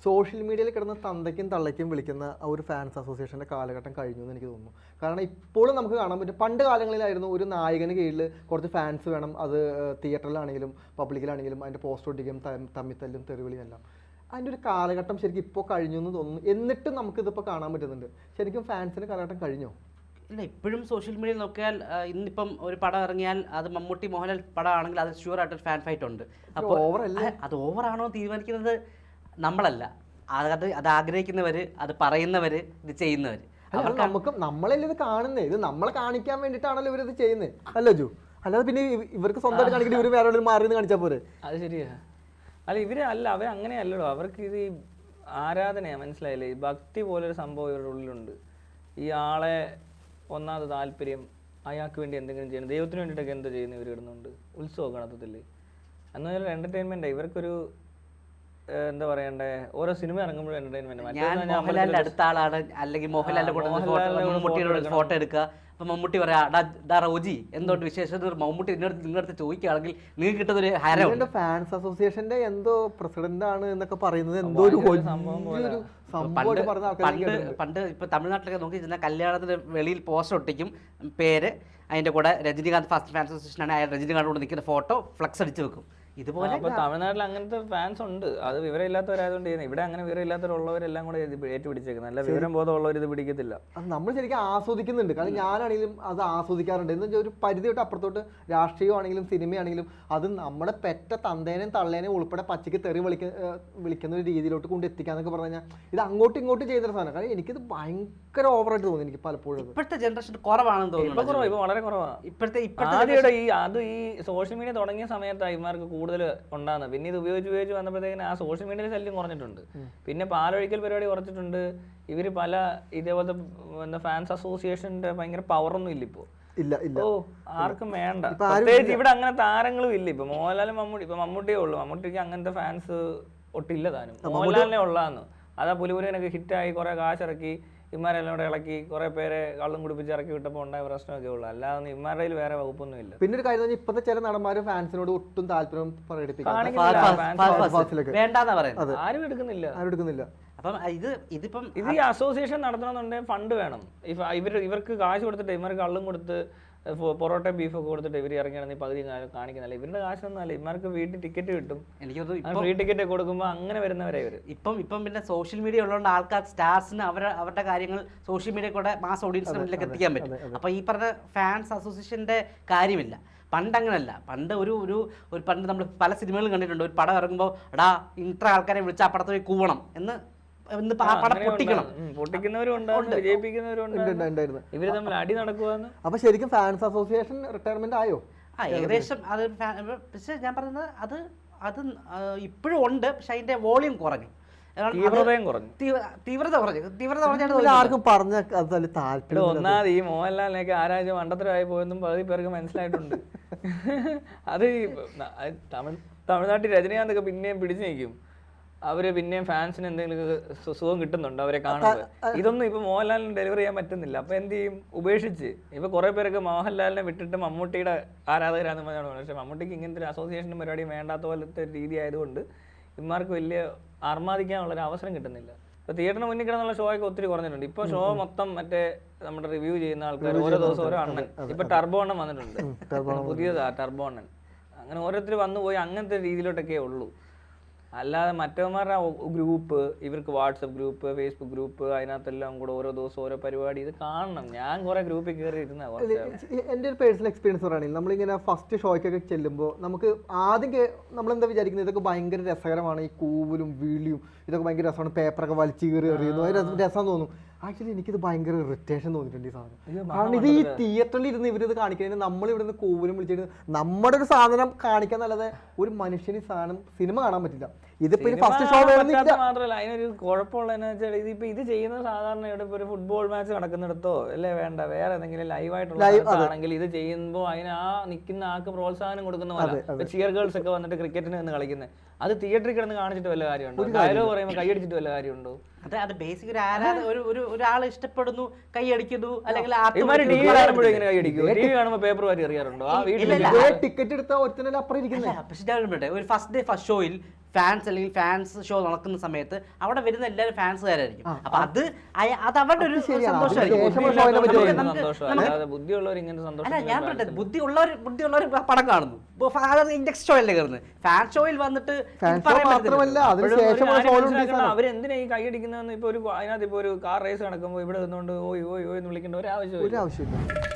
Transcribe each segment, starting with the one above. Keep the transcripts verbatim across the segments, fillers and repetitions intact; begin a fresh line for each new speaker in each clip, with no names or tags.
Social മീഡിയയിൽ കിടന്ന് തന്തയ്ക്കും തള്ളയ്ക്കും വിളിക്കുന്ന ആ ഒരു ഫാൻസ് അസോസിയേഷൻ്റെ കാലഘട്ടം കഴിഞ്ഞു എന്ന് എനിക്ക് തോന്നുന്നു. കാരണം ഇപ്പോഴും നമുക്ക് കാണാൻ പറ്റും, പണ്ട് കാലങ്ങളിലായിരുന്നു ഒരു നായകന് കീഴിൽ കുറച്ച് ഫാൻസ് വേണം, അത് തിയേറ്ററിലാണെങ്കിലും പബ്ലിക്കിലാണെങ്കിലും അതിൻ്റെ പോസ്റ്റർ ഒട്ടിക്കും, തമ്മിത്തല്ലും തെറിവിളിയും എല്ലാം. അതിൻ്റെ ഒരു കാലഘട്ടം ശരിക്കും ഇപ്പോൾ കഴിഞ്ഞു എന്ന് തോന്നുന്നു. എന്നിട്ടും നമുക്കിതിപ്പോൾ കാണാൻ പറ്റുന്നുണ്ട്. ശരിക്കും ഫാൻസിൻ്റെ കാലഘട്ടം കഴിഞ്ഞോ?
ഇല്ല, ഇപ്പോഴും സോഷ്യൽ മീഡിയയിൽ നോക്കിയാൽ ഇന്നിപ്പം ഒരു പടം ഇറങ്ങിയാൽ അത് മമ്മൂട്ടി മോഹൻലാൽ പടമാണെങ്കിൽ അത് ഷുവർ ആയിട്ടൊരു ഫാൻ ഫൈറ്റ് ഉണ്ട്. അപ്പോൾ അത് ഓവറാണോ തീരുമാനിക്കുന്നത് നമ്മളല്ല, അത് അത് ആഗ്രഹിക്കുന്നവർ, അത് പറയുന്നവർ, ഇത് ചെയ്യുന്നവർ.
നമുക്ക് നമ്മളല്ലേ ഇത് കാണുന്നത്, ഇത് നമ്മളെ കാണിക്കാൻ വേണ്ടിയിട്ടാണല്ലോ ഇവരിത് ചെയ്യുന്നത്, അല്ല ജു? അല്ലാതെ പിന്നെ ഇവർക്ക് സ്വന്തമായിട്ട് കാണിക്കുന്നത് ഇവർ വേറെ മാറി കാണിച്ചാൽ പോരെ?
അത് ശരിയാ. അല്ല ഇവര് അല്ല, അവർ അങ്ങനെയല്ലല്ലോ. അവർക്ക് ഇത് ആരാധനയാണ്, മനസ്സിലായില്ലേ? ഭക്തി പോലൊരു സംഭവം ഇവരുടെ ഉള്ളിലുണ്ട്. ഈ ആളെ ഒന്നാമത് താല്പര്യം, അയാൾക്ക് വേണ്ടി എന്തെങ്കിലും ചെയ്യണം, ദൈവത്തിന് വേണ്ടിയിട്ടൊക്കെ എന്താ ചെയ്യുന്നത് ഇവർ ഇടുന്നുണ്ട്. ഉത്സവം കണത്തത്തില്ലേ എന്ന് പറഞ്ഞാൽ എൻ്റർടൈൻമെൻറ്റ്. ഇവർക്കൊരു എന്താ പറയണ്ടേ, ഓരോ സിനിമ ഇറങ്ങുമ്പോഴും എൻ്റർടൈൻമെൻറ്റ്.
മോഹൻലാലിൻ്റെ അടുത്ത ആളാണ്, അല്ലെങ്കിൽ മോഹൻലാലിൻ്റെ കൂടെ ഫോട്ടോ എടുക്കുക. അപ്പം മമ്മൂട്ടി പറയാ, ഡാ റോജി എന്തോട്ട് വിശേഷം, മമ്മൂട്ടി നിങ്ങളുടെ നിങ്ങളുടെ ചോദിക്കുകയാണെങ്കിൽ നിങ്ങൾക്ക് കിട്ടുന്ന ഒരു ഹരം.
ഫാൻസ് അസോസിയേഷന്റെ എന്തോ പ്രസിഡന്റ് ആണ് എന്നൊക്കെ പറയുന്നത് എന്തോ ഒരു
പണ്ട് പണ്ട് ഇപ്പൊ തമിഴ്നാട്ടിലൊക്കെ നോക്കി ചെന്നാൽ കല്യാണത്തിന് വെളിയിൽ പോസ്റ്റർ ഒട്ടിക്കും, പേര്, അതിന്റെ കൂടെ രജനീകാന്ത് ഫാസ്റ്റ് ഫാൻസ് അസോസിയേഷൻ ആണ്, അയാൾ രജനീകാന്ത് കൂടെ നിൽക്കുന്ന ഫോട്ടോ ഫ്ലക്സ് അടിച്ചു വെക്കും. ഇതുപോലെ
തമിഴ്നാട്ടിൽ അങ്ങനത്തെ ഫാൻസ് ഉണ്ട്. അത് വിവരമില്ലാത്തവരായതുകൊണ്ട് ചെയ്യുന്നത്. ഇവിടെ അങ്ങനെ വിവരമില്ലാത്തവരുള്ളവരെല്ലാം കൂടെ ഏറ്റുപിടിച്ചേക്കുന്നത്. നല്ല വിവരം ബോധമുള്ളവർ ഇത് പിടിക്കത്തില്ല.
അത് നമ്മൾ ശരിക്കും ആസ്വദിക്കുന്നുണ്ട്. കാരണം ഞാനാണെങ്കിലും അത് ആസ്വദിക്കാറുണ്ട്. എന്ന് വെച്ചാൽ ഒരു പരിധി തൊട്ട് അപ്പുറത്തോട്ട് രാഷ്ട്രീയമാണെങ്കിലും സിനിമയാണെങ്കിലും അത് നമ്മുടെ പെറ്റ തന്തേനെയും തള്ളേനെയും ഉൾപ്പെടെ പച്ചയ്ക്ക് തെറി വിളിക്ക വിളിക്കുന്ന ഒരു രീതിയിലോട്ട് കൊണ്ട് എത്തിക്കാന്നൊക്കെ പറഞ്ഞു കഴിഞ്ഞാൽ ഇത് അങ്ങോട്ടും ഇങ്ങോട്ടും ചെയ്യുന്ന സാധനം. കാരണം എനിക്കിത് ഭയങ്കര ഓവറായിട്ട് തോന്നി. എനിക്ക് പലപ്പോഴും
ഇപ്പോഴത്തെ ജനറേഷൻ കുറവാണെന്ന് തോന്നുന്നു.
കുറവാണ്, ഇപ്പൊ വളരെ കുറവാണ്.
ഇപ്പോഴത്തെ
ആദ്യയുടെ ഈ അത് ഈ സോഷ്യൽ മീഡിയ തുടങ്ങിയ സമയത്ത് ഇവന്മാർക്ക് കൂടുതൽ ഉണ്ടാകുന്നത്. പിന്നെ ഇത് ഉപയോഗിച്ച് ഉപയോഗിച്ച് വന്നപ്പോഴത്തേക്കിന് ആ സോഷ്യൽ മീഡിയയിൽ ശല്യം കുറഞ്ഞിട്ടുണ്ട്. പിന്നെ പാലൊഴിക്കൽ പരിപാടി കുറച്ചിട്ടുണ്ട്. ഇവര് പല ഇതേപോലത്തെ എന്താ ഫാൻസ് അസോസിയേഷന്റെ ഭയങ്കര പവറൊന്നും ഇല്ല ഇപ്പോ. ഓ ആർക്കും വേണ്ട. പ്രത്യേകിച്ച് ഇവിടെ അങ്ങനെ താരങ്ങളും ഇല്ല. ഇപ്പൊ മോഹൻലാലും മമ്മൂട്ടി, ഇപ്പൊ മമ്മൂട്ടിയേ ഉള്ളൂ. മമ്മൂട്ടിക്ക് അങ്ങനത്തെ ഫാൻസ് ഒട്ടില്ല താനും. മോഹൻലാലിനെ ഉള്ളതാന്ന്. അതാ പുലിപുരനൊക്കെ ഹിറ്റായി കുറെ കാശിറക്കി ഇമാരെല്ലാം കൂടെ ഇളക്കി കുറെ പേരെ കള്ളും കുടിപ്പിച്ച് ഇറക്കി വിട്ടപ്പോൾ ഉണ്ടായ പ്രശ്നമൊക്കെ ഉള്ളു. അല്ലാതെ ഇമാരുടെ വേറെ വകുപ്പൊന്നും ഇല്ല.
പിന്നെ ഒരു കാര്യം, ഇപ്പത്തെ ചില നടന്മാര് ഫാൻസിനോട് ഒട്ടും താല്പര്യം
ആരും എടുക്കുന്നില്ല
ആരും എടുക്കുന്നില്ല
അപ്പം ഇത് ഇതിപ്പം
ഇത് ഈ അസോസിയേഷൻ നടത്തണമെന്നുണ്ടെങ്കിൽ ഫണ്ട് വേണം. ഇവർ ഇവർക്ക് കാശ് കൊടുത്തിട്ട് ഇവർക്ക് കള്ളും കൊടുത്ത് പൊറോട്ട ബീഫൊക്കെ കൊടുത്തിട്ട് ഇവർ ഇറങ്ങിയാണെങ്കിൽ പകുതി കാണിക്കുന്നില്ല. ഇവരുടെ കാശൊന്നും അല്ല. ഇവർക്ക് വീട്ടിൽ ടിക്കറ്റ് കിട്ടും. എനിക്ക് ഫ്രീ ടിക്കറ്റ് കൊടുക്കുമ്പോൾ അങ്ങനെ വരുന്നവരെ ഇവർ.
ഇപ്പം ഇപ്പം പിന്നെ സോഷ്യൽ മീഡിയ ഉള്ളതുകൊണ്ട് ആൾക്കാർ സ്റ്റാർസിന് അവർ അവരുടെ കാര്യങ്ങൾ സോഷ്യൽ മീഡിയ കൂടെ മാസ് ഓഡിയൻസിന് മുന്നിലേക്ക് എത്തിക്കാൻ പറ്റും. അപ്പോൾ ഈ പറഞ്ഞ ഫാൻസ് അസോസിയേഷൻ്റെ കാര്യമില്ല. പണ്ട് അങ്ങനല്ല. പണ്ട് ഒരു ഒരു ഒരു പണ്ട് നമ്മൾ പല സിനിമകളും കണ്ടിട്ടുണ്ട്. ഒരു പടം ഇറങ്ങുമ്പോൾ എടാ ഇത്ര ആൾക്കാരെ വിളിച്ച് ആ പടത്തിൽ കൂവണം എന്ന്
ഇവര് തമ്മിൽ അടി നടക്കുവാന്ന്.
അപ്പൊ ശരിക്കും ഫാൻസ് അസോസിയേഷൻ റിട്ടയർമെന്റ് ആയോ?
ആ ഏകദേശം. അത് പക്ഷെ ഞാൻ പറയുന്നത് അത് അത് ഇപ്പോഴും ഉണ്ട്. പക്ഷെ അതിന്റെ വോളിയം കുറഞ്ഞു,
തീവ്രതയും കുറഞ്ഞു.
തീവ്രത കുറഞ്ഞു തീവ്രത കുറഞ്ഞാണ്
ആർക്കും പറഞ്ഞ താല്പര്യം.
ഒന്നാമത് ഈ മോഹൻലാലിനൊക്കെ ആരാഴ്ച മണ്ടത്തരമായി പോയെന്നും പകുതി പേർക്ക് മനസ്സിലായിട്ടുണ്ട്. അത് തമിഴ് തമിഴ്നാട്ടിൽ രജനീകാന്തൊക്കെ പിന്നെയും പിടിച്ചു നിൽക്കും. അവര് പിന്നെയും ഫാൻസിന് എന്തെങ്കിലും സുഖം കിട്ടുന്നുണ്ട് അവരെ കാണുമ്പോൾ. ഇതൊന്നും ഇപ്പൊ മോഹൻലാലിന് ഡെലിവറി ചെയ്യാൻ പറ്റുന്നില്ല. അപ്പൊ എന്ത് ചെയ്യും? ഉപേക്ഷിച്ച് ഇപ്പൊ കുറെ പേരൊക്കെ മോഹൻലാലിനെ വിട്ടിട്ട് മമ്മൂട്ടിയുടെ ആരാധകരാന്ന് പറഞ്ഞാണ്. പക്ഷെ മമ്മൂട്ടിക്ക് ഇങ്ങനത്തെ ഒരു അസോസിയേഷനും പരിപാടിയും വേണ്ടാത്ത പോലത്തെ രീതി ആയതുകൊണ്ട് ഇവന്മാർക്ക് വലിയ ആർമാദിക്കാനുള്ളൊരു അവസരം കിട്ടുന്നില്ല. ഇപ്പൊ തിയേറ്ററിന് മുന്നിൽ കിടന്നുള്ള ഷോ ഒക്കെ ഒത്തിരി കുറഞ്ഞിട്ടുണ്ട്. ഇപ്പൊ ഷോ മൊത്തം മറ്റേ നമ്മുടെ റിവ്യൂ ചെയ്യുന്ന ആൾക്കാർ ഓരോ ദിവസം ഓരോ അണ്ണൻ. ഇപ്പൊ ടർബോ അണ്ണൻ വന്നിട്ടുണ്ട്, പുതിയതാ ടർബോ അണ്ണൻ. അങ്ങനെ ഓരോരുത്തർ വന്നു പോയി അങ്ങനത്തെ രീതിയിലോട്ടൊക്കെ ഉള്ളൂ. അല്ലാതെ മറ്റവന്മാരുടെ ഗ്രൂപ്പ്, ഇവർക്ക് വാട്സപ്പ് ഗ്രൂപ്പ്, ഫേസ്ബുക്ക് ഗ്രൂപ്പ്, അതിനകത്തെല്ലാം കൂടെ ഓരോ ദിവസം ഓരോ പരിപാടി. ഇത് കാണണം. ഞാൻ കുറെ ഗ്രൂപ്പിൽ കയറി ഇരുന്ന.
എൻ്റെ ഒരു പേഴ്സണൽ എക്സ്പീരിയൻസ് പറയുകയാണെങ്കിൽ നമ്മളിങ്ങനെ ഫസ്റ്റ് ഷോയ്ക്കൊക്കെ ചെല്ലുമ്പോൾ നമുക്ക് ആദ്യം നമ്മളെന്താ വിചാരിക്കുന്നത്, ഇതൊക്കെ ഭയങ്കര രസകരമാണ്, ഈ കൂവലും വിളിയും ഇതൊക്കെ ഭയങ്കര രസമാണ്, പേപ്പറൊക്കെ വലിച്ചു കയറി എറിയുന്നു, അത് രസം തോന്നും. ആക്ച്വലി എനിക്കിത് ഭയങ്കര ഇറിറ്റേഷൻ തോന്നിയിട്ടുണ്ട് ഈ സാധനം. കാരണം ഇത് ഈ തിയേറ്ററിൽ ഇരുന്ന് ഇവരിത് കാണിക്കുന്നതിന് നമ്മൾ ഇവിടെ നിന്ന് കൂവലും വിളിച്ചിട്ട് നമ്മുടെ ഒരു സാധനം കാണിക്കാൻ നല്ലത് ഒരു മനുഷ്യന് ഈ സാധനം സിനിമ കാണാൻ പറ്റില്ല. ഇതിപ്പോ ഫസ്റ്റ് ഷോ
മാത്രമല്ല, അതിനൊരു കുഴപ്പമുള്ളതെന്ന് വെച്ചാൽ ഇതിപ്പോ ഇത് ചെയ്യുന്നത് സാധാരണ ഇവിടെ ഇപ്പൊ ഒരു ഫുട്ബോൾ മാച്ച് നടക്കുന്നിടത്തോ അല്ലേ വേണ്ട, വേറെ ഏതെങ്കിലും ലൈവായിട്ടുള്ളതാണെങ്കിൽ ഇത് ചെയ്യുമ്പോൾ അതിന് ആ നിൽക്കുന്ന ആൾക്ക് പ്രോത്സാഹനം കൊടുക്കുന്ന പോലെ ചിയർ ഗേൾസ് ഒക്കെ വന്നിട്ട് ക്രിക്കറ്റിന് നിന്ന് കളിക്കുന്നത്. അത് തിയേറ്ററിൽ കിടന്ന് കാണിച്ചിട്ട് വല്ല കാര്യമുണ്ടോ? ഡയലോഗ് പറയുമ്പോൾ കൈയടിച്ചിട്ട് വല്ല കാര്യമുണ്ടോ?
അത് അത് ബേസിക് ഒരു ആരാധന, ഒരു ഒരാൾ ഇഷ്ടപ്പെടുന്നു, കൈയടിക്കുന്നു, അല്ലെങ്കിൽ
ടി വി കാണുമ്പോഴും ഇങ്ങനെ കൈയടിക്കും. ടി വി കാണുമ്പോൾ പേപ്പർ വാരി അറിയാറുണ്ടോ? ആ വീട്ടിൽ
ടിക്കറ്റ് എടുത്ത ഒരുത്തനല്ല അപ്പുറം ഇരിക്കുന്നത്.
പക്ഷെ ഒരു ഫസ്റ്റ് ഡേ ഫസ്റ്റ് ഷോയിൽ ഫാൻസ് അല്ലെങ്കിൽ ഫാൻസ് ഷോ നടക്കുന്ന സമയത്ത് അവിടെ വരുന്ന എല്ലാവരും ഫാൻസുകാരായിരിക്കും. അപ്പൊ അത് അയ- അത് അവരുടെ ഒരു സന്തോഷമായിരിക്കും.
ബുദ്ധിയുള്ളവർ ഇങ്ങനെ സന്തോഷം.
അല്ല ഞാൻ പറയട്ടെ, ബുദ്ധിയുള്ളവർ ബുദ്ധിയുള്ളവർ പടം കാണുന്നു. ഇൻഡെക്സ് ഷോയിലല്ലേ കയറുന്നത്, ഫാൻ ഷോയിൽ വന്നിട്ട്
അവരെന്തിനാ ഈ കൈയടിക്കുന്നതെന്ന് ഇപ്പൊ ഒരു അതിനകത്ത് ഇപ്പൊ ഒരു കാർ റേസ് നടക്കുമ്പോൾ ഇവിടെ നിന്നുകൊണ്ട് ഓയ് ഓയ് ഓയ് എന്ന് വിളിക്കേണ്ട ഒരു ആവശ്യം.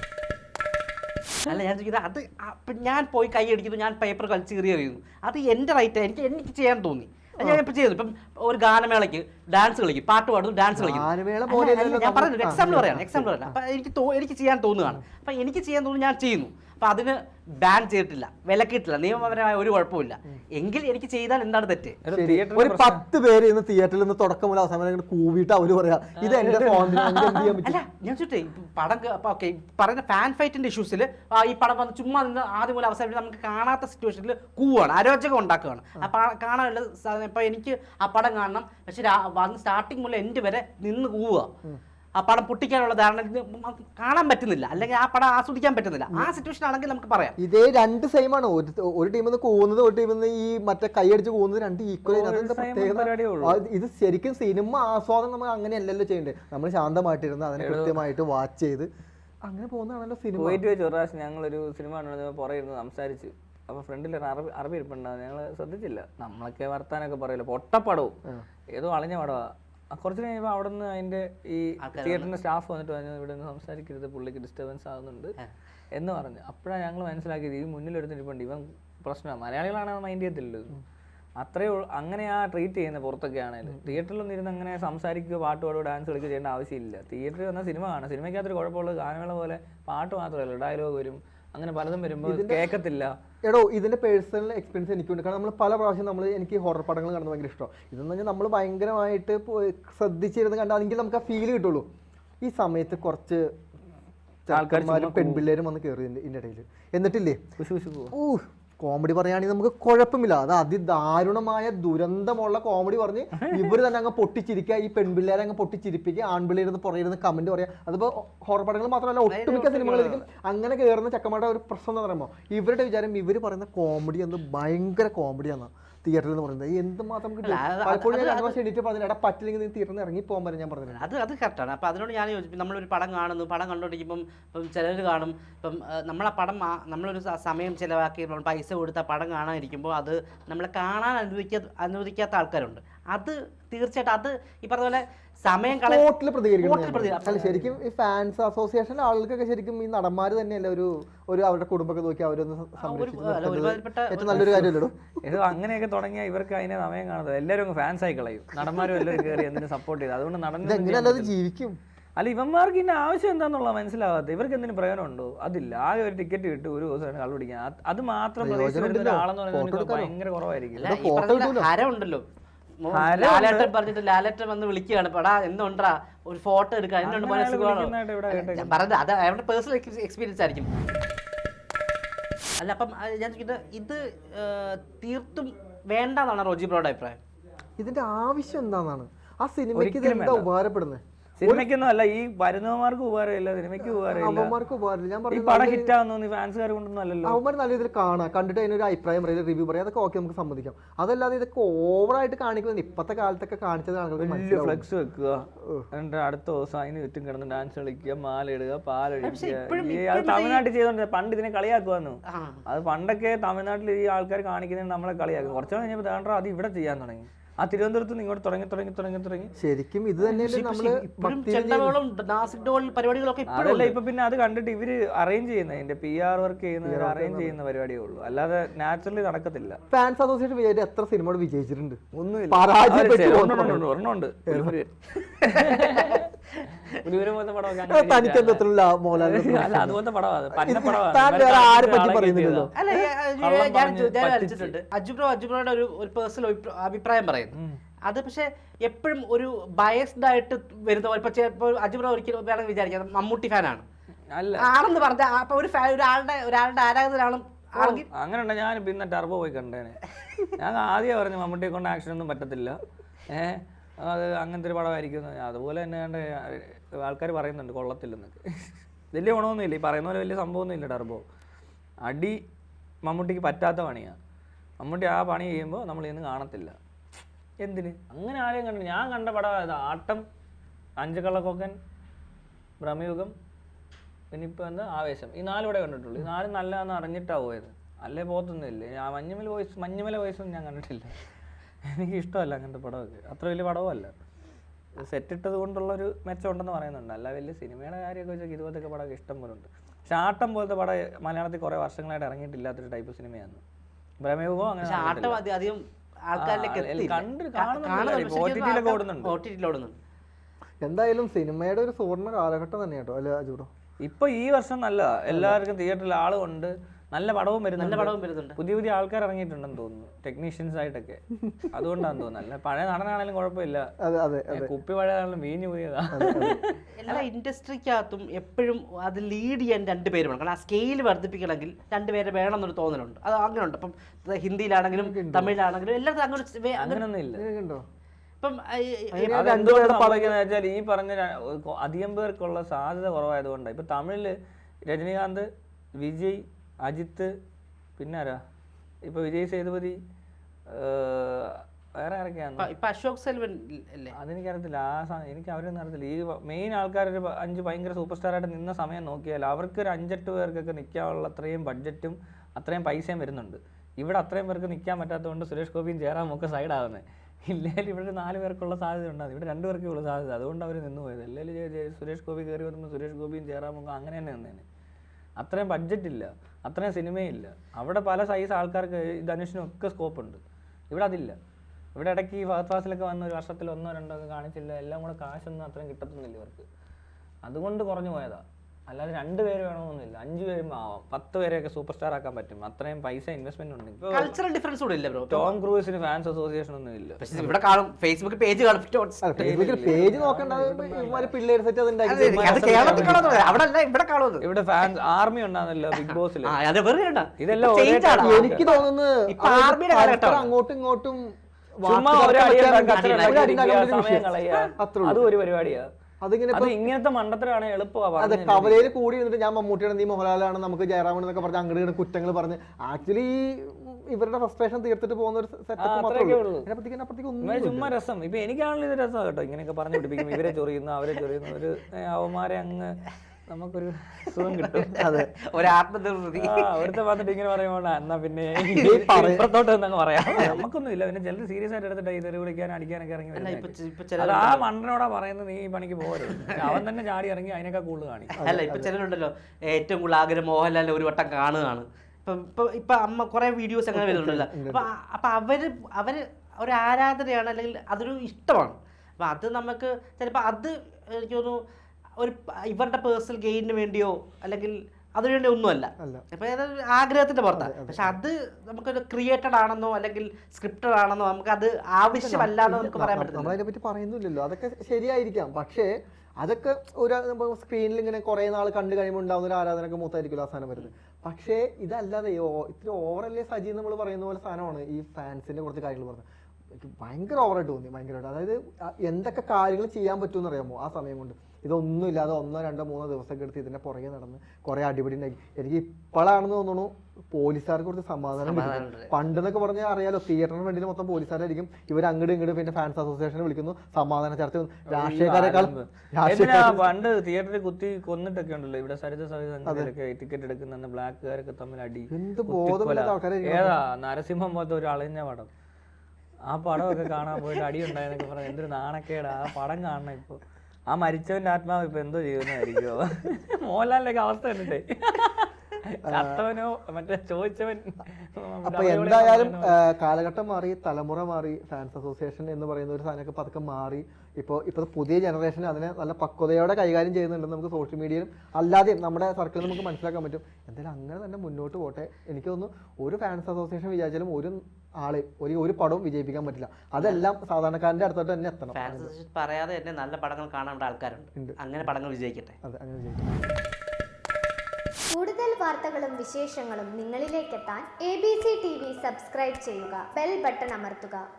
അല്ല ഞാൻ ചോദിക്കുന്നത്, അത് അപ്പൊ ഞാൻ പോയി കൈ അടിക്കുന്നു, ഞാൻ പേപ്പർ കളിച്ച് കയറി എറിയുന്നു, അത് എൻ്റെ റൈറ്റ്, എനിക്ക് എനിക്ക് ചെയ്യാൻ തോന്നി, ഞാൻ ഇപ്പൊ ചെയ്തു. ഇപ്പം ഒരു ഗാനമേളയ്ക്ക് ഡാൻസ് കളിക്കും, പാട്ട് പാടുന്നു, ഡാൻസ് കളിക്കും. ഞാൻ പറയുന്നത് എക്സാമ്പിൾ പറയാണ്, എക്സാമ്പിൾ പറയാം. അപ്പൊ എനിക്ക് എനിക്ക് ചെയ്യാൻ തോന്നുകയാണ്, അപ്പൊ എനിക്ക് ചെയ്യാൻ തോന്നുന്നു, ഞാൻ ചെയ്യുന്നു. അപ്പൊ അതിന് ബാൻ ചെയ്തിട്ടില്ല, വിലക്കിയിട്ടില്ല, നിയമപരമായ ഒരു കുഴപ്പമില്ല. എങ്കിൽ എനിക്ക് ചെയ്താൽ എന്താണ് തെറ്റ്?
ഒരു പത്ത് പേര് ഇന്ന് തിയേറ്ററിൽ നിന്ന് തുടക്കം മുതൽ അവസാനം കൂവിയിട്ട് അവര് പറയാ ഇത് എന്റെ
അല്ല ഞാൻ ചോട്ടെ പടം ഓക്കെ പറയുന്ന ഫാൻ ഫൈറ്റിന്റെ ഇഷ്യൂസിൽ ഈ പടം വന്ന് ചുമ്മാ നിന്ന് ആദ്യം മുതൽ അവസാനം നമുക്ക് കാണാത്ത സിറ്റുവേഷനിൽ കൂവാണ്, അരോചകം ഉണ്ടാക്കുകയാണ്. ആ കാണാനുള്ള ഇപ്പൊ എനിക്ക് ആ പടം കാണണം, പക്ഷെ വന്ന് സ്റ്റാർട്ടിങ് മുതൽ എൻഡ് വരെ നിന്ന് കൂവുക, ആ പടം പൊട്ടിക്കാനുള്ള ധാരണ കാണാൻ പറ്റുന്നില്ല, അല്ലെങ്കിൽ ആ പടം ആസ്വദിക്കാൻ പറ്റുന്നില്ല. ആ സിറ്റുവേഷൻ ആണെങ്കിൽ നമുക്ക് പറയാം
ഇതേ രണ്ട് സെയിം ആണ്. ഒരു ടീമിൽ നിന്ന് പോകുന്നത് ഒരു ടീമിൽ നിന്ന് ഈ മറ്റേ കൈയടിച്ച് പോകുന്നത് രണ്ട് ഈക്വൽ. ഇത് ശരിക്കും സിനിമ ആസ്വാദനം നമ്മൾ അങ്ങനെയല്ലല്ലോ ചെയ്യേണ്ടത്. നമ്മൾ ശാന്തമായിട്ടിരുന്ന് അതിനെ കൃത്യമായിട്ട് വാച്ച് ചെയ്ത് അങ്ങനെ പോകുന്നതാണല്ലോ സിനിമ.
പോയിട്ട് വെച്ച് ഒരു പ്രാവശ്യം ഞങ്ങളൊരു സിനിമ പുറകിരുന്ന് സംസാരിച്ച്, അപ്പൊ ഫ്രണ്ടിൽ അറബി അറബി ഇരിപ്പുണ്ടാവും, ഞങ്ങൾ ശ്രദ്ധിച്ചില്ല. നമ്മളൊക്കെ വർത്താനൊക്കെ പറയല്ലോ, പൊട്ടപ്പടവും ഏതോ അളഞ്ഞ പടവാ. കുറച്ച് കഴിയുമ്പോൾ അവിടെ നിന്ന് അതിന്റെ ഈ തിയേറ്ററിന്റെ സ്റ്റാഫ് വന്നിട്ട് പറഞ്ഞു ഇവിടെ നിന്ന് സംസാരിക്കരുത്, പുള്ളിക്ക് ഡിസ്റ്റർബൻസ് ആകുന്നുണ്ട് എന്ന് പറഞ്ഞു. അപ്പോഴാണ് ഞങ്ങൾ മനസ്സിലാക്കിയത് ഈ മുന്നിലെടുത്തിട്ടുണ്ട് ഇവൻ പ്രശ്നമാണ്. മലയാളികളാണ് മൈൻഡ് ചെയ്യത്തില്ലല്ലോ, അത്രേ അങ്ങനെ ആ ട്രീറ്റ് ചെയ്യുന്നത്. പുറത്തൊക്കെ ആണെങ്കിലും തിയേറ്ററിലൊന്നും ഇരുന്ന് അങ്ങനെ സംസാരിക്കുകയോ പാട്ട് പാടുകയോ ഡാൻസ് കളിക്കുകയോ ചെയ്യേണ്ട ആവശ്യമില്ല. തിയേറ്ററിൽ വന്നാൽ സിനിമ കാണാം. സിനിമയ്ക്കകത്തൊരു കുഴപ്പമുള്ളത് ഗാനങ്ങളെ പോലെ പാട്ട് മാത്രമല്ല, ഡയലോഗ് വരും, അങ്ങനെ പലതും വരുമ്പോൾ കേൾക്കത്തില്ല.
എടോ ഇതിന്റെ പേഴ്സണൽ എക്സ്പീരിയൻസ് എനിക്കുണ്ട്. കാരണം നമ്മൾ പല പ്രാവശ്യം നമ്മൾ എനിക്ക് ഹൊറർ പടങ്ങൾ കാണുന്നത് ഭയങ്കര ഇഷ്ടമാണ്. ഇതെന്ന് പറഞ്ഞാൽ നമ്മൾ ഭയങ്കരമായിട്ട് ശ്രദ്ധിച്ചിരുന്ന് കണ്ടാണെങ്കിൽ നമുക്ക് ആ ഫീൽ കിട്ടുള്ളൂ. ഈ സമയത്ത് കുറച്ച് ആൾക്കാരും പെൺപിള്ളേരും വന്ന് കയറി ഇതിന്റെ ഇടയിൽ, എന്നിട്ടില്ലേ ഓ കോമഡി പറയുകയാണെങ്കിൽ നമുക്ക് കുഴപ്പമില്ല. അത് അതിദാരുണമായ ദുരന്തമുള്ള കോമഡി പറഞ്ഞ് ഇവർ തന്നെ അങ്ങ് പൊട്ടിച്ചിരിക്കുക, ഈ പെൺപിള്ളേരെ അങ്ങ് പൊട്ടിച്ചിരിപ്പിക്കുക, ആൺപിള്ളേരുന്ന് പുറകിരുന്ന് കമന്റ് പറയാം. അതിപ്പോ ഹൊറർ പടങ്ങൾ മാത്രമല്ല ഒട്ടുമിക്ക സിനിമകളിലേക്കും അങ്ങനെ കയറുന്ന ചക്കമാരുടെ ഒരു പ്രശ്നം എന്ന് പറയുമ്പോൾ ഇവരുടെ വിചാരം ഇവർ പറയുന്ന കോമഡി എന്ന് ഭയങ്കര കോമഡിയാണ് തിയേറ്ററിൽ എന്ന് പറയുന്നത്. എന്തുമാത്രം കിട്ടും. പലപ്പോഴും ഞാൻ രണ്ട് വർഷം എഡിറ്റ് പറഞ്ഞില്ല, പറ്റില്ലെങ്കിൽ നീ തിയേറ്ററിൽ നിന്ന് ഇറങ്ങി പോകാൻ ഞാൻ പറഞ്ഞത്.
അത് അത് കറക്റ്റാണ്. അപ്പോൾ അതിനോട് ഞാൻ യോജിക്കും. നമ്മളൊരു പടം കാണുന്നു, പടം കണ്ടുകൊണ്ടിരിക്കുമ്പം ഇപ്പം ചിലർ കാണും, ഇപ്പം നമ്മളെ പടം നമ്മളൊരു സമയം ചിലവാക്കി നമ്മൾ പൈസ കൊടുത്ത പടം കാണാനിരിക്കുമ്പോൾ അത് നമ്മളെ കാണാൻ അനുവദിക്കാ അനുവദിക്കാത്ത ആൾക്കാരുണ്ട്. അത് തീർച്ചയായിട്ടും അത് ഈ പറഞ്ഞ പോലെ സമയം
കോർട്ടിൽ പ്രതികരിക്കണം. ശരിക്കും ഈ ഫാൻസ് അസോസിയേഷൻ്റെ ആളുകൾക്കൊക്കെ ശരിക്കും ഈ നടന്മാർ തന്നെയല്ല ഒരു ഒരു അവരുടെ കുടുംബമൊക്കെ നോക്കി അവരൊന്ന് സംരക്ഷിക്കുന്നത് ഏറ്റവും നല്ലൊരു കാര്യമല്ലോ.
ഇത് അങ്ങനെയൊക്കെ തുടങ്ങിയാൽ ഇവർക്ക് അതിനെ സമയം കാണുന്നത് എല്ലാവരും ഫാൻസ് ആയി കളയും. നടന്മാരും എല്ലാവരും കയറി എന്തിനു സപ്പോർട്ട് ചെയ്ത്, അതുകൊണ്ട് നടന്നത് ജീവിക്കും. അല്ല ഇവന്മാർക്ക് ഇതിന്റെ ആവശ്യം എന്താണെന്നുള്ള മനസ്സിലാവാത്ത ഇവർക്ക് എന്തിനു പ്രയോജനമുണ്ടോ? അതില്ല. ആകെ ഒരു ടിക്കറ്റ് കിട്ടും, ഒരു ദിവസം കളി പിടിക്കാൻ. അത് മാത്രം ഒരാളെന്ന് പറയുന്നത് ഭയങ്കര കുറവായിരിക്കും.
ഹരമുണ്ടല്ലോ, ലാലേട്ടൻ പറഞ്ഞിട്ട് ലാലേട്ടൻ വന്ന് വിളിക്കുകയാണ്, പടാ എന്തുണ്ടാ ഒരു ഫോട്ടോ എടുക്കുക, എന്തുകൊണ്ട് മനസ്സിലാണോ ഞാൻ പറഞ്ഞത്. അത് അവരുടെ പേഴ്സണൽ എക്സ്പീരിയൻസ് ആയിരിക്കും. അല്ല അപ്പം ഞാൻ ചോദിക്കുന്നത് ഇത് തീർത്തും വേണ്ടെന്നാണ് റോജി ബ്രോയുടെ അഭിപ്രായം.
ഇതിന്റെ ആവശ്യം എന്താണെന്നാണ്? ആ സിനിമയ്ക്ക് ഇത് എന്താ ഉപകാരപ്പെടുന്നത്?
സിനിമയ്ക്കൊന്നും അല്ല, ഈ വരുന്നവന്മാർക്ക് ഉപകാരമില്ല, സിനിമയ്ക്ക് ഉപകാരമില്ല. ഈ പടം ഹിറ്റ് ആവുന്നു ഫാൻസുകാർ കൊണ്ടൊന്നും അല്ലല്ലോ.
അവന്മാർ നല്ല രീതിയിൽ കാണാം, കണ്ടിട്ട് അതിനൊരു അഭിപ്രായം പറയാം, റിവ്യൂ പറയാം, അതൊക്കെ ഓക്കെ നമുക്ക് സമ്മതിക്കാം. അതല്ലാതെ ഇതൊക്കെ ഓവറായിട്ട് കാണിക്കുന്നത് ഇപ്പത്തെ കാലത്തൊക്കെ കാണിച്ചത്
ഫ്ലെക്സ് വെക്കുക, എന്നിട്ട് അടുത്ത ദിവസം അതിന് ചുറ്റും കിടന്ന് ഡാൻസ് കളിക്കുക, മാല ഇടുക, പാലൊഴിക്കുക. അത് തമിഴ്നാട്ടിൽ ചെയ്തോണ്ട് പണ്ട് ഇതിനെ കളിയാക്കുവാന്നു. അത് പണ്ടൊക്കെ തമിഴ്നാട്ടിൽ ഈ ആൾക്കാർ കാണിക്കുന്നതിന് നമ്മളെ കളിയാക്കും. കുറച്ചു കഴിഞ്ഞപ്പോൾ താണ്ടാ അത് ഇവിടെ ചെയ്യാൻ തുടങ്ങി. ആ തിരുവനന്തപുരത്ത് നിന്ന് ഇങ്ങോട്ട് തുടങ്ങി തുടങ്ങി തുടങ്ങി തുടങ്ങി
ശരിക്കും ഇത് തന്നെയല്ലേ നമ്മള്
പരിപാടികളൊക്കെ.
അതല്ല ഇപ്പൊ പിന്നെ അത് കണ്ടിട്ട് ഇവര് അറേഞ്ച് ചെയ്യുന്ന അതിന്റെ പി ആർ വർക്ക് ചെയ്യുന്ന അറേഞ്ച് ചെയ്യുന്ന പരിപാടിയേ ഉള്ളൂ, അല്ലാതെ നാച്ചുറലി നടക്കത്തില്ല.
ഫാൻസ് അസോസിയേഷൻ വിചാരിച്ച എത്ര സിനിമ വിജയിച്ചിട്ടുണ്ട്?
ഒന്നുമില്ല. ഒരെണ്ണമുണ്ട്. അതുപോലത്തെ
അജുബ്രോ അജുബ്രോയുടെ ഒരു പേഴ്സണൽ അഭിപ്രായം പറയുന്നു. അത് പക്ഷെ എപ്പോഴും ഒരു ബയസ്ഡ് ആയിട്ട് വരുന്ന ഇപ്പൊ അജുബ്രോ ഒരിക്കലും വേണമെങ്കിൽ വിചാരിക്കാം മമ്മൂട്ടി ഫാനാണ് ആണെന്ന് പറഞ്ഞ അപ്പൊ ഒരു ഒരാളുടെ ഒരാളുടെ ആരാധകരാണ്.
അങ്ങനെ ഉണ്ടോ? ഞാൻ പിന്നെ ടർബോ പോയി കണ്ടേനെ. ഞാൻ ആദ്യം പറഞ്ഞു മമ്മൂട്ടിയെ കൊണ്ട് ആക്ഷൻ ഒന്നും പറ്റത്തില്ല, ഏഹ് അത് അങ്ങനത്തെ ഒരു പടമായിരിക്കും. അതുപോലെ തന്നെ കണ്ട് ആൾക്കാർ പറയുന്നുണ്ട് കൊള്ളത്തില്ലെന്നൊക്കെ. വലിയ ഗുണമൊന്നുമില്ല, ഈ പറയുന്ന പോലെ വലിയ സംഭവമൊന്നും ഇല്ല. ടർബോ അടി മമ്മൂട്ടിക്ക് പറ്റാത്ത പണിയാണ്. മമ്മൂട്ടി ആ പണി ചെയ്യുമ്പോൾ നമ്മൾ ഇന്ന് കാണത്തില്ല. എന്തിന് അങ്ങനെ ആരെയും കണ്ടു? ഞാൻ കണ്ട പടം ഇത് ആട്ടം, അഞ്ചുകള്ളക്കൊക്കൻ, ഭ്രമയുഗം, പിന്നെ ഇപ്പോൾ എന്താ ആവേശം. ഈ നാല് ഇവിടെ കണ്ടിട്ടുള്ളൂ. ഈ നാലും നല്ലതെന്ന് അറിഞ്ഞിട്ടാണ് പോയത്, അല്ലേ പോകത്തൊന്നുമില്ല. ആ മഞ്ഞുമല വോയിസ് മഞ്ഞുമല വോയിസൊന്നും ഞാൻ കണ്ടിട്ടില്ല. എനിക്ക് ഇഷ്ടമല്ല അങ്ങനത്തെ പടമൊക്കെ, അത്ര വലിയ പടവുമല്ല. സെറ്റ് ഇട്ടത് കൊണ്ടുള്ളൊരു മെച്ചം ഉണ്ടെന്ന് പറയുന്നുണ്ട്, അല്ല വലിയ സിനിമയുടെ കാര്യമൊക്കെ വെച്ചാൽ ഇതുപോലത്തെ പടമൊക്കെ ഇഷ്ടം പോലെ ഉണ്ട്. പക്ഷെ ആട്ടം പോലത്തെ പടം മലയാളത്തിൽ കുറേ വർഷങ്ങളായിട്ട് ഇറങ്ങിയിട്ടില്ലാത്തൊരു ടൈപ്പ് സിനിമയാണ് ഭ്രമയുഗവും. അങ്ങനെ
അധികം ആൾക്കാരിലേക്ക്
കണ്ട് കാണുന്നുണ്ട്,
ഓടുന്നുണ്ട്.
എന്തായാലും സിനിമയുടെ ഒരു സുവർണ്ണ കാലഘട്ടം തന്നെ കേട്ടോ അല്ലെ അജൂറോ?
ഇപ്പൊ ഈ വർഷം നല്ല എല്ലാവർക്കും തിയേറ്ററിൽ ആളുണ്ട്, നല്ല പടവും വരുന്നുണ്ട്,
നല്ല പടവും വരുന്നുണ്ട്.
പുതിയ പുതിയ ആൾക്കാർ ഇറങ്ങിയിട്ടുണ്ടെന്ന് തോന്നുന്നു, ടെക്നീഷ്യൻസ് ആയിട്ടൊക്കെ. അതുകൊണ്ടാന്ന് തോന്നുന്നു. അല്ല പഴയ നടനാണെങ്കിലും കുഴപ്പമില്ല, കുപ്പി പഴയതാണെങ്കിലും വീഞ്ഞു പോയതാ.
എല്ലാ ഇൻഡസ്ട്രിക്കകത്തും എപ്പോഴും അത് ലീഡ് ചെയ്യാൻ രണ്ട് പേര് വേണം. കാരണം ആ സ്കെയിൽ വർദ്ധിപ്പിക്കണമെങ്കിൽ രണ്ടുപേരെ വേണം എന്നൊരു തോന്നലുണ്ട്. അത് അങ്ങനെ ഉണ്ട്. ഇപ്പം ഹിന്ദിയിലാണെങ്കിലും തമിഴിലാണെങ്കിലും എല്ലായിടത്തും അങ്ങനെ
അങ്ങനൊന്നും ഇല്ല.
ഇപ്പം
അതെന്തുകൊണ്ട് സംഭവിക്കുന്നത് വെച്ചാൽ ഈ പറഞ്ഞ അധികം പേർക്കുള്ള സാധ്യത കുറവായതുകൊണ്ടാണ്. ഇപ്പൊ തമിഴില് രജനീകാന്ത്, വിജയ്, അജിത്ത്, പിന്നെ ആരാ ഇപ്പൊ വിജയ് സേതുപതി, വേറെ ആരൊക്കെയാണ്?
ഇപ്പൊ അശോക് സെൽവൻ അല്ലേ?
അതെനിക്കറിയത്തില്ല. ആ എനിക്ക് അവരൊന്നും അറിയത്തില്ല. ഈ മെയിൻ ആൾക്കാർ ഒരു അഞ്ച് ഭയങ്കര സൂപ്പർ സ്റ്റാർ ആയിട്ട് നിന്ന സമയം നോക്കിയാൽ അവർക്ക് ഒരു അഞ്ചെട്ട് പേർക്കൊക്കെ നിൽക്കാനുള്ള അത്രയും ബഡ്ജറ്റും അത്രയും പൈസയും വരുന്നുണ്ട്. ഇവിടെ അത്രയും പേർക്ക് നിൽക്കാൻ പറ്റാത്തതുകൊണ്ട് സുരേഷ് ഗോപിയും ജയറാമും ഒക്കെ സൈഡാകുന്നത്. ഇല്ലെങ്കിൽ ഇവിടെ നാല് പേർക്കുള്ള സാധ്യത ഉണ്ടാകും, ഇവിടെ രണ്ട് പേർക്കേ ഉള്ള സാധ്യത. അതുകൊണ്ട് അവർ നിന്ന് പോയത്. അല്ലെങ്കിൽ സുരേഷ് ഗോപി കയറി വന്നപ്പോൾ സുരേഷ് ഗോപിയും ജയറാമും അങ്ങനെ തന്നെ നിന്നേനെ. അത്രയും ബഡ്ജറ്റ് ഇല്ല, അത്രയും സിനിമയില്ല. അവിടെ പല സൈസ് ആൾക്കാർക്ക് ധനുഷിനും ഒക്കെ സ്കോപ്പ് ഉണ്ട്, ഇവിടെ അതില്ല. ഇവിടെ ഇടയ്ക്ക് ഈ ഫഹദ് ഫാസിലൊക്കെ വന്ന ഒരു വർഷത്തിൽ ഒന്നോ രണ്ടോ ഒക്കെ കാണിച്ചില്ല. എല്ലാം കൂടെ കാശൊന്നും അത്രയും കിട്ടത്തൊന്നുമില്ല ഇവർക്ക്, അതുകൊണ്ട് കുറഞ്ഞു പോയതാ. അല്ലാതെ രണ്ട് പേര് വേണമെന്നൊന്നുമില്ല, അഞ്ചു പേരും ആവാം, പത്ത് പേരെയൊക്കെ സൂപ്പർ സ്റ്റാർ ആക്കാൻ പറ്റും. അത്രയും പൈസ ഇൻവെസ്റ്റ്മെന്റ് ഉണ്ട്.
കൾച്ചറൽ ഡിഫറൻസ് കൂടെ ഇല്ല ബ്രോ.
ടോം ക്രൂസിന് ഫാൻസ് അസോസിയേഷൻ ഒന്നും ഇല്ല.
ഇവിടെ കാണും, ഫേസ്ബുക്ക് പേജ് കാണും.
പേജ് നോക്കണ്ട, പിള്ളേർ സെറ്റ്
ഇവിടെ ഫാൻസ് ആർമി ഉണ്ടാകുന്നല്ലോ ബിഗ് ബോസിൽ.
ഇതെല്ലാം എനിക്ക് തോന്നുന്നു അങ്ങോട്ടും ഇങ്ങോട്ടും
അതും ഒരു പരിപാടിയാ.
അതിങ്ങനെ
ഇങ്ങനത്തെ മണ്ടത്തരാണ് എളുപ്പമാണ്.
കവലയിൽ കൂടി ഇരുന്നിട്ട് ഞാൻ മമ്മൂട്ടിയാണ്, നീ മോഹൻലാലാണ്, നമുക്ക് ജയറാമൻ എന്നൊക്കെ പറഞ്ഞ് അങ്ങോട്ട് ഇങ്ങനെ കുറ്റങ്ങൾ പറഞ്ഞ് ആക്ച്വലി ഇവരുടെ ഫ്രസ്ട്രേഷൻ തീർത്തിട്ട് പോകുന്ന ഒരു സെറ്റപ്പ്.
ചുമ്മാ രസം. ഇപ്പൊ എനിക്കാണല്ലോ ഇത് രസം കേട്ടോ, ഇങ്ങനെയൊക്കെ പറഞ്ഞു പിടിപ്പിക്കും. ഇവരെ ചൊറിയുന്നു അവരെ ചൊറിയുന്നു, ഒരു അവന്മാരെ അങ്ങ് നമുക്കൊരു സുഖം കിട്ടും.
അതെ, ഒരു ആത്മനിർവൃതി.
അവിടുത്തെ വന്നിട്ട് ഇങ്ങനെ പറയുമ്പോൾ എന്നാ പിന്നെ ഇപ്പുറത്തോട്ട് എന്നങ്ങ് പറയാം. നമുക്കൊന്നും ഇല്ല. പിന്നെ ചിലർ സീരിയസ് ആയിട്ട് എടുത്തിട്ട് ഇത് വിളിക്കാൻ അടിക്കാനൊക്കെ ഇറങ്ങി വരുന്നത്. ആ മണ്ടനോടാ പറയുന്നത് നീ ഈ പണിക്ക് പോകരുത്. അവൻ തന്നെ ചാടി ഇറങ്ങി അതിനൊക്കെ കൂടുതൽ കാണിക്കും.
അല്ല, ഇപ്പൊ ചിലരുണ്ടല്ലോ ഏറ്റവും കൂടുതൽ ആഗ്രഹം മോഹൻലാലിനെ ഒരു വട്ടം കാണുകയാണ്. ഇപ്പൊ ഇപ്പൊ ഇപ്പൊ അമ്മ കുറെ വീഡിയോസ് അങ്ങനെ വരുന്നുണ്ടല്ലോ. അപ്പൊ അപ്പൊ അവര് അവര് ഒരു ആരാധനയാണ്, അല്ലെങ്കിൽ അതൊരു ഇഷ്ടമാണ്. അപ്പൊ അത് നമുക്ക് ചിലപ്പോ അത് എനിക്ക് തോന്നുന്നു ഒരു ഇവരുടെ പേഴ്സണൽ ഗെയിനിന് വേണ്ടിയോ അല്ലെങ്കിൽ അതിനു വേണ്ടി ഒന്നുമല്ല. അപ്പൊ അതൊരു ആഗ്രഹത്തിന്റെ പുറത്താണ്. പക്ഷെ അത് നമുക്കൊരു ക്രിയേറ്റഡ് ആണെന്നോ അല്ലെങ്കിൽ സ്ക്രിപ്റ്റഡ് ആണെന്നോ നമുക്ക് അത് ആവശ്യമല്ലാന്നോ നമുക്ക് പറയാൻ പറ്റില്ല.
നമ്മളതിനെ പറ്റി പറയുന്നില്ലല്ലോ. അതൊക്കെ ശരിയായിരിക്കാം, പക്ഷേ അതൊക്കെ ഒരു സ്ക്രീനിൽ ഇങ്ങനെ കുറെ നാൾ കണ്ടു കഴിയുമ്പോൾ ഉണ്ടാകുന്ന ഒരു ആരാധനയൊക്കെ മൂത്തായിരിക്കുമല്ലോ അവസാനം വരുന്നത്. പക്ഷേ ഇതല്ലാതെ ഇത്തിരി ഓവറല്ലേ സജി നമ്മൾ പറയുന്ന പോലെ സാധനമാണ് ഈ ഫാൻസിന്റെ കുറച്ച് കാര്യങ്ങൾ പറഞ്ഞത്. എനിക്ക് ഭയങ്കര ഓവറായിട്ട് തോന്നി, ഭയങ്കരമായിട്ട്. അതായത് എന്തൊക്കെ കാര്യങ്ങൾ ചെയ്യാൻ പറ്റുമെന്ന് അറിയാമോ ആ സമയം കൊണ്ട്? ഇതൊന്നും ഇല്ലാതെ ഒന്നോ രണ്ടോ മൂന്നോ ദിവസമൊക്കെ എടുത്ത് ഇതിന്റെ പുറകെ നടന്ന് കുറെ അടിപിടി ഉണ്ടാക്കി. എനിക്ക് ഇപ്പോഴാണെന്ന് തോന്നുന്നു പോലീസുകാർക്ക് കുറച്ച് സമാധാനം കിട്ടും. പണ്ടെന്നൊക്കെ പറഞ്ഞാൽ അറിയാലോ, തിയേറ്ററിന് വേണ്ടി മൊത്തം പോലീസുകാരായിരിക്കും. ഇവർ അങ്ങോട്ട് ഇങ്ങോട്ട് പിന്നെ ഫാൻസ് അസോസിയേഷനെ വിളിക്കുന്നു, സമാധാന ചർച്ച. രാഷ്ട്രീയക്കാരെക്കാൾ
പണ്ട് തിയേറ്ററിൽ കുത്തി കൊന്നിട്ടൊക്കെ ഉണ്ടല്ലോ ഇവിടെ സരിത സവിധൊക്കെ ടിക്കറ്റ് എടുക്കുന്ന ബ്ലാക്കുകാരൊക്കെ തമ്മിൽ അടി.
എന്ത് ബോധമില്ലാത്ത ആൾക്കാരെ.
ഏതാ നരസിംഹം പോലത്തെ ഒരു അളിഞ്ഞ പടം, ആ പടമൊക്കെ കാണാൻ പോയിട്ട് അടി ഉണ്ടായെന്നൊക്കെ പറഞ്ഞാൽ എന്തൊരു നാണക്കേടാ. ആ പടം കാണണം. ഇപ്പൊ ആ മരിച്ചവന്റെ ആത്മാവ് ഇപ്പൊ എന്തോ ചെയ്യുന്നതായിരിക്കോ? മോഹൻലാലിന്റെ അവസ്ഥ കണ്ടിട്ടേ ചത്തവനോ മറ്റേ ചോദിച്ചവൻ.
അപ്പൊ എന്തായാലും കാലഘട്ടം മാറി, തലമുറ മാറി, ഫാൻസ് അസോസിയേഷൻ എന്ന് പറയുന്ന ഒരു സാധനമൊക്കെ പതുക്കെ മാറി. ഇപ്പോൾ ഇപ്പോൾ പുതിയ ജനറേഷൻ അതിനെ നല്ല പക്വതയോടെ കൈകാര്യം ചെയ്യുന്നുണ്ടെന്ന് നമുക്ക് സോഷ്യൽ മീഡിയയിലും അല്ലാതെയും നമ്മുടെ സർക്കിളിൽ നമുക്ക് മനസ്സിലാക്കാൻ പറ്റും. എന്തായാലും അങ്ങനെ തന്നെ മുന്നോട്ട് പോട്ടെ. എനിക്ക് തോന്നുന്നു ഒരു ഫാൻസ് അസോസിയേഷൻ വിചാരിച്ചാലും ഒരു ആളെ ഒരു ഒരു പടവും വിജയിപ്പിക്കാൻ പറ്റില്ല. അതെല്ലാം സാധാരണക്കാരന്റെ അടുത്തോട്ട് തന്നെ എത്തണം.
പറയാതെ തന്നെ നല്ല പടങ്ങൾ കാണാൻ ആൾക്കാരുണ്ട്. അങ്ങനെ പടങ്ങൾ വിജയിക്കട്ടെ.
അതെ, അങ്ങനെ വിജയിക്കട്ടെ.
കൂടുതൽ വാർത്തകളും വിശേഷങ്ങളും നിങ്ങളിലേക്കെത്താൻ A B C T V subscribe ചെയ്യുക, ബെൽ ബട്ടൺ അമർത്തുക.